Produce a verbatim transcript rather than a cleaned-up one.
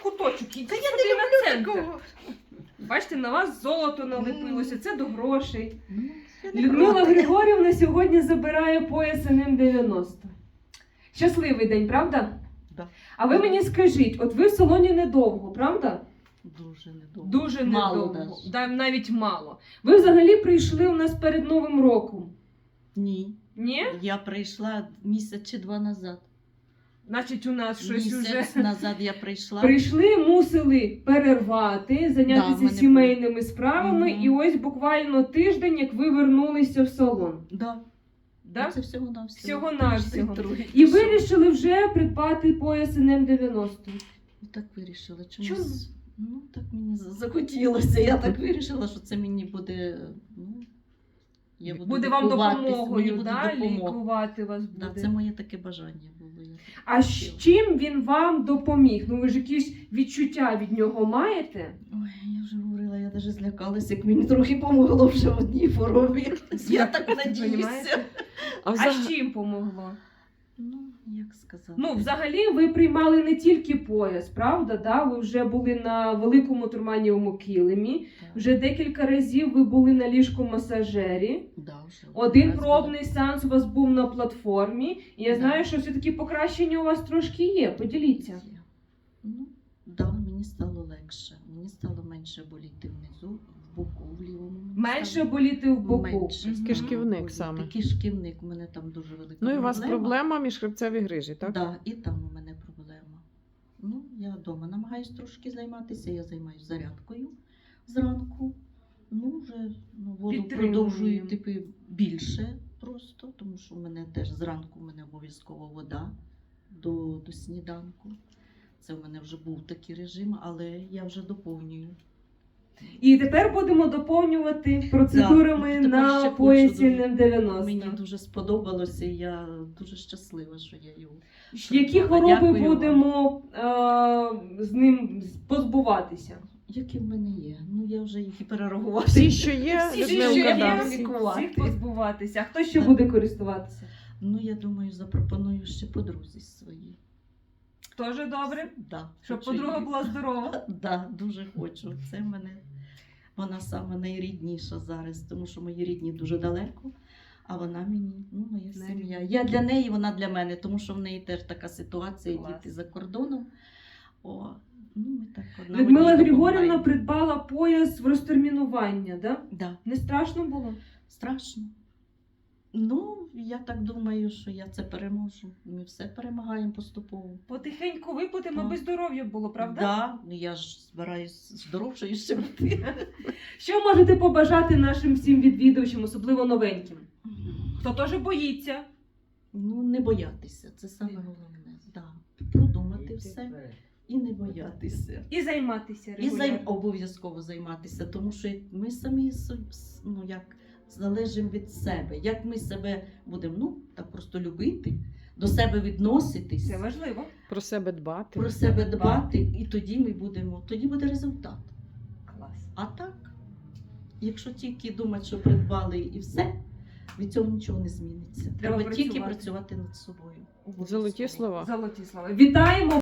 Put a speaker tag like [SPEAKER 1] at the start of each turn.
[SPEAKER 1] куточок, ідіть
[SPEAKER 2] Та я
[SPEAKER 1] сюди
[SPEAKER 2] не
[SPEAKER 1] на
[SPEAKER 2] люблю
[SPEAKER 1] центр.
[SPEAKER 2] такого.
[SPEAKER 1] Бачите, на вас золото налепилося, це до грошей.
[SPEAKER 2] Ну, я не
[SPEAKER 1] Людмила
[SPEAKER 2] проти.
[SPEAKER 1] Григорівна сьогодні забирає пояс ен ем дев'яносто. Щасливий день, правда?
[SPEAKER 2] Да.
[SPEAKER 1] А ви мені скажіть, от ви в салоні недовго, правда?
[SPEAKER 2] Дуже недовго.
[SPEAKER 1] Дуже
[SPEAKER 2] Мало
[SPEAKER 1] недовго,
[SPEAKER 2] даже.
[SPEAKER 1] да, навіть мало. Ви взагалі прийшли у нас перед Новим роком?
[SPEAKER 2] Ні.
[SPEAKER 1] Ні?
[SPEAKER 2] Я прийшла місяць чи два назад.
[SPEAKER 1] Значить, у нас щось
[SPEAKER 2] Місяць
[SPEAKER 1] уже...
[SPEAKER 2] назад я прийшла.
[SPEAKER 1] Прийшли, мусили перервати,
[SPEAKER 2] Да, в
[SPEAKER 1] зайнятися
[SPEAKER 2] мене
[SPEAKER 1] сімейними справами,
[SPEAKER 2] Мгм.
[SPEAKER 1] і ось буквально тиждень, як ви вернулися в салон.
[SPEAKER 2] Да.
[SPEAKER 1] Да?
[SPEAKER 2] Це всього на всього.
[SPEAKER 1] Всього-навсього. І вирішили вже придбати пояс ен ем дев'яносто.
[SPEAKER 2] Так вирішила.
[SPEAKER 1] Чому?
[SPEAKER 2] Чомусь. Ну, так мені за- захотілося. Я так вирішила, що це мені буде. Ну, я буду
[SPEAKER 1] Буде вам
[SPEAKER 2] лікуватись, мені
[SPEAKER 1] допомогою,
[SPEAKER 2] буде
[SPEAKER 1] да?
[SPEAKER 2] допомога.
[SPEAKER 1] Лікувати вас буде.
[SPEAKER 2] Да, це моє таке бажання було. Я так
[SPEAKER 1] А з
[SPEAKER 2] хотіла.
[SPEAKER 1] чим він вам допоміг? Ну ви ж якісь відчуття від нього маєте?
[SPEAKER 2] Ой, я вже говорила, я навіть злякалася, як мені трохи помогло вже в одній хворобі. Я так надіюся.
[SPEAKER 1] Понімаєте?
[SPEAKER 3] А
[SPEAKER 1] А
[SPEAKER 3] взагалі,
[SPEAKER 1] з чим помогло?
[SPEAKER 2] Ну, як сказати.
[SPEAKER 1] Ну, взагалі, ви приймали не тільки пояс, правда? Да? Ви вже були на великому турманієвому килимі,
[SPEAKER 2] Так.
[SPEAKER 1] вже декілька разів ви були на ліжко-масажері.
[SPEAKER 2] Да, вже
[SPEAKER 1] Один
[SPEAKER 2] раз
[SPEAKER 1] пробний сеанс у вас був на платформі. І я
[SPEAKER 2] Да.
[SPEAKER 1] знаю, що все-таки покращення у вас трошки є. Поділіться.
[SPEAKER 2] було. Ну, да, мені стало легше. Мені стало менше боліти внизу, в боку, в лівому. мені
[SPEAKER 1] Менше
[SPEAKER 2] стало
[SPEAKER 1] боліти в боку.
[SPEAKER 2] менше
[SPEAKER 1] Мгм.
[SPEAKER 3] Кишківник
[SPEAKER 2] боліти.
[SPEAKER 3] саме.
[SPEAKER 2] Кишківник, у мене там дуже велика
[SPEAKER 3] ну і у вас
[SPEAKER 2] проблема.
[SPEAKER 3] проблема міжхребцеві грижі, так?
[SPEAKER 2] Да, і там у мене проблема. Ну, я вдома намагаюсь трошки займатися, я займаюся зарядкою зранку. Ну, вже ну, воду
[SPEAKER 1] Підтримуємо.
[SPEAKER 2] продовжую типу, більше просто, тому що в мене теж зранку в мене обов'язково вода до, до сніданку. Це в мене вже був такий режим, але я вже доповнюю.
[SPEAKER 1] І тепер будемо доповнювати процедурами
[SPEAKER 2] Да, тепер
[SPEAKER 1] на
[SPEAKER 2] ще хочу
[SPEAKER 1] поясі
[SPEAKER 2] дуже.
[SPEAKER 1] ен ем дев'яносто.
[SPEAKER 2] Мені дуже сподобалося, і я дуже щаслива, що я його.
[SPEAKER 1] Які
[SPEAKER 2] придбала.
[SPEAKER 1] хвороби
[SPEAKER 2] Дякую вам.
[SPEAKER 1] будемо е, з ним позбуватися?
[SPEAKER 2] Які в мене є? Ну я вже їх і перерахувала.
[SPEAKER 3] Всі, що є,
[SPEAKER 2] Всі, що
[SPEAKER 3] Людмилка,
[SPEAKER 2] є,
[SPEAKER 3] да,
[SPEAKER 2] я
[SPEAKER 3] всі.
[SPEAKER 2] лікувати.
[SPEAKER 1] Всіх позбуватися. А хто ще
[SPEAKER 2] Да.
[SPEAKER 1] буде користуватися?
[SPEAKER 2] Ну, я думаю, запропоную ще подрузі своїй.
[SPEAKER 1] Тоже добре?
[SPEAKER 2] Да,
[SPEAKER 1] Щоб
[SPEAKER 2] хочу
[SPEAKER 1] подруга
[SPEAKER 2] її.
[SPEAKER 1] була здорова.
[SPEAKER 2] Да, дуже хочу. Це в мене вона саме найрідніша зараз, тому що мої рідні дуже далеко, а вона мені, ну, моя сім'я. Я для неї, вона для мене, тому що в неї теж така ситуація,
[SPEAKER 1] Клас.
[SPEAKER 2] діти за кордоном. О, ну, ми так одна
[SPEAKER 1] Людмила
[SPEAKER 2] одній
[SPEAKER 1] Григорівна
[SPEAKER 2] допомагаємо.
[SPEAKER 1] придбала пояс в розтермінування, да?
[SPEAKER 2] Да.
[SPEAKER 1] Не страшно було?
[SPEAKER 2] Страшно. Ну, я так думаю, що я це переможу. Ми все перемагаємо поступово.
[SPEAKER 1] Потихеньку виплатимо,
[SPEAKER 2] Так.
[SPEAKER 1] аби здоров'я було, правда?
[SPEAKER 2] Да, ну я ж збираюсь здоровшою ще бути.
[SPEAKER 1] Що можете побажати нашим всім відвідувачам, особливо новеньким? Хто теж боїться?
[SPEAKER 2] Ну, не боятися, це саме головне. Да. Продумати все і не боятися.
[SPEAKER 1] І займатися
[SPEAKER 2] І займ...
[SPEAKER 1] регулярно.
[SPEAKER 2] обов'язково займатися, тому що ми самі со- ну, як залежимо від себе. Як ми себе будемо ну, так просто любити, до себе відноситись,
[SPEAKER 1] Це важливо.
[SPEAKER 3] Про себе дбати.
[SPEAKER 2] про себе дбати, і тоді ми будемо, тоді буде результат.
[SPEAKER 1] Клас.
[SPEAKER 2] А так, якщо тільки думати, що придбали і все, від цього нічого не зміниться.
[SPEAKER 1] Треба
[SPEAKER 2] Треба тільки
[SPEAKER 1] працювати.
[SPEAKER 2] працювати над собою.
[SPEAKER 3] Золоті слова.
[SPEAKER 1] Золоті слова. Вітаємо!